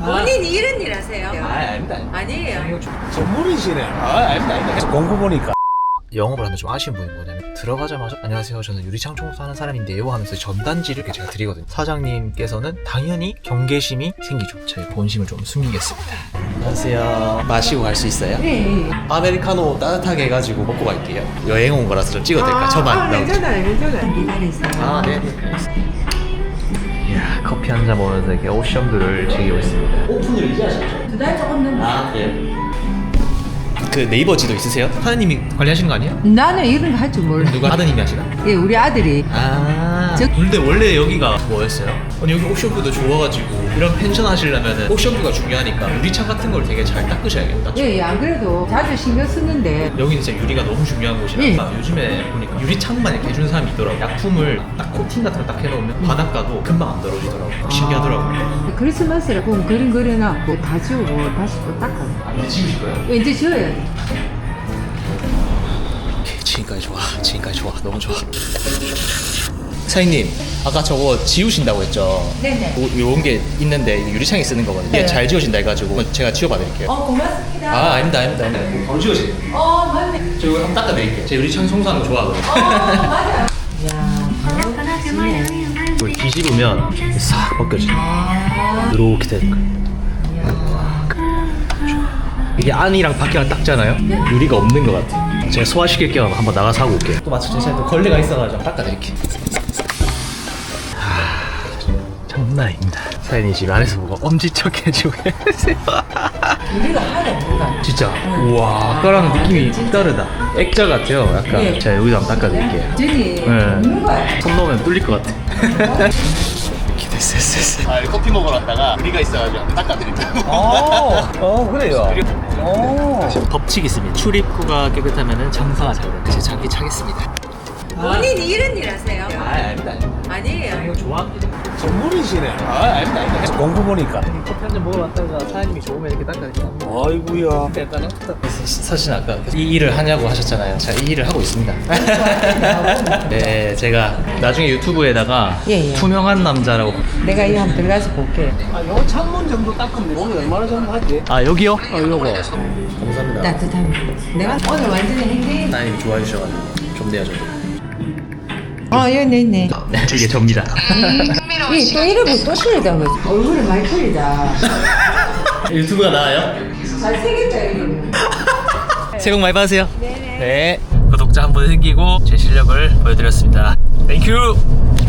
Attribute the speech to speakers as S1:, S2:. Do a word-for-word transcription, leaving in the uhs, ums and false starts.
S1: 본인이 이런 일 하세요?
S2: 아, 아닙니다.
S1: 아니에요.
S2: 전문이시네. 아, 아닙니다. 아닙니다. 공부 보니까.
S3: 영업을 하는데 좀 아쉬운 부분이 뭐냐면 들어가자마자 안녕하세요 저는 유리창 청소하는 사람인데요 하면서 전단지를 이렇게 제가 드리거든요. 사장님께서는 당연히 경계심이 생기죠. 제 본심을 좀 숨기겠습니다. 안녕하세요. 마시고 갈 수 있어요?
S1: 네.
S3: 아메리카노 따뜻하게 해가지고 먹고 갈게요. 여행 온 거라서 좀 찍어도 될까요? 저만
S1: 아,
S3: 나오죠.
S1: 괜찮아요, 괜찮아요. 기다리세요.
S3: 아, 네. 이야, 커피 한 잔 먹으면서 이렇게 오션뷰를 즐기고 있습니다. 오픈을 이제 하셨죠?
S1: 두 달 조금 넘었어요.
S3: 아, 네. 그 네이버 지도 있으세요? 사장님이 관리하시는 거 아니에요?
S1: 나는 이런 거 할 줄 몰라.
S3: 누가 아드님이 하시나?
S1: 예, 우리 아들이.
S3: 아.
S1: 저-
S3: 근데 원래 여기가 뭐였어요? 아니 여기 옵션뷰도 좋아가지고 이런 펜션 하시려면 옵션뷰가 중요하니까 유리창 같은 걸 되게 잘 닦으셔야겠다.
S1: 예, 예, 안 그래도 자주 신경 쓰는데.
S3: 여기는 진짜 유리가 너무 중요한 곳이라서 요즘에 보니까 유리창만 이렇게 해주는 사람이 있더라고요. 약품을 딱 코팅 같은 거 딱 해놓으면 바닷가도 금방 안 떨어지더라고요. 신기하더라고요.
S1: 크리스마스라 보면 그림 그려놨고 다 지우고 다시 또 닦아요.
S3: 아, 이제 지우실 거예요?
S1: 예, 이제 지워야 돼.
S3: 오케이, 지금까지 좋아. 지금까지 좋아. 너무 좋아. 사장님, 아까 저거 지우신다고 했죠?
S1: 네네.
S3: 요런 게 있는데 이거 유리창에 쓰는 거거든요. 이게
S1: 네.
S3: 잘 지워진다 해가지고 제가 지워봐드릴게요.
S1: 어, 고맙습니다.
S3: 아, 아닙니다, 아닙니다. 아닙니다. 바로 지워지네요.
S1: 어, 맞네.
S3: 저 이거 한번 닦아드릴게요. 제 유리창 청소하는 거 좋아하거든요.
S1: 어, 맞아요. 야, 바로
S3: 이걸 뒤집으면 싹 벗겨져요.
S1: 아,
S3: 이렇게 되는 거예요. 이게 안이랑 밖이랑 닦잖아요? 유리가 없는 것 같아요. 제가 소화시킬 겸 한번 나가서 하고 올게요. 또 마침 제 또 걸레가 있어가지고 닦아드릴게요. 장난 아닙니다. 사연이 집 안에서 보고 엄지척 해주고 계세요.
S1: 우리가 하나도 없는
S3: 진짜 우와 아까랑 느낌이 다르다. 액자 같아요 약간.
S1: 네.
S3: 제가 여기도 한번 닦아드릴게요.
S1: 전이
S3: 네.
S1: 없는 거야.
S3: 손 넣으면 뚫릴 것 같아. 이렇게 됐어 됐어 됐어. 아 커피 먹으러 왔다가 우리가 있어가지고 한번 닦아드린다고.
S2: 어, 어, 그래요. 어.
S3: 법칙이 있습니다. 출입구가 깨끗하면 장사가 잘 돼요. 제 장기 차겠습니다.
S1: 본인이 이런 일 하세요?
S3: 아 아닙니다.
S1: 아니에요.
S3: 이거 좋아합니다.
S2: 전문이시네.
S3: 아 아닙니다 아닙니다.
S2: 공부 보니까.
S3: 커피 한 잔 먹으러 왔다가 사장님이 좋으면 이렇게 닦아드린다.
S2: 아이고야.
S3: 약간 사실 아까 이 일을 하냐고 하셨잖아요. 제가 이 일을 하고 있습니다. 네, 제가 나중에 유튜브에다가
S1: 예, 예.
S3: 투명한 남자라고.
S1: 내가 이 한번 들어가서 볼게.
S2: 아, 요 창문 정도 닦으면 오늘 얼마나 정도 하지?
S3: 아 여기요?
S2: 어, 요거.
S3: 감사합니다.
S1: 따뜻합니다. 내가 오늘 완전히 행복해.
S3: 사장님이 좋아해 주셔가지고 좋네요 저도.
S1: 어, 여기 있네.
S3: 네, 이게 접니다.
S1: 이, 또 이러고 또 틀리다. 얼굴이 많이 틀리다.
S3: 유튜브가 나와요?
S1: 잘생겼다, 이러면.
S3: 새해 복 많이 받으세요. 네. 구독자 한 분 생기고 제 실력을 보여드렸습니다. 땡큐.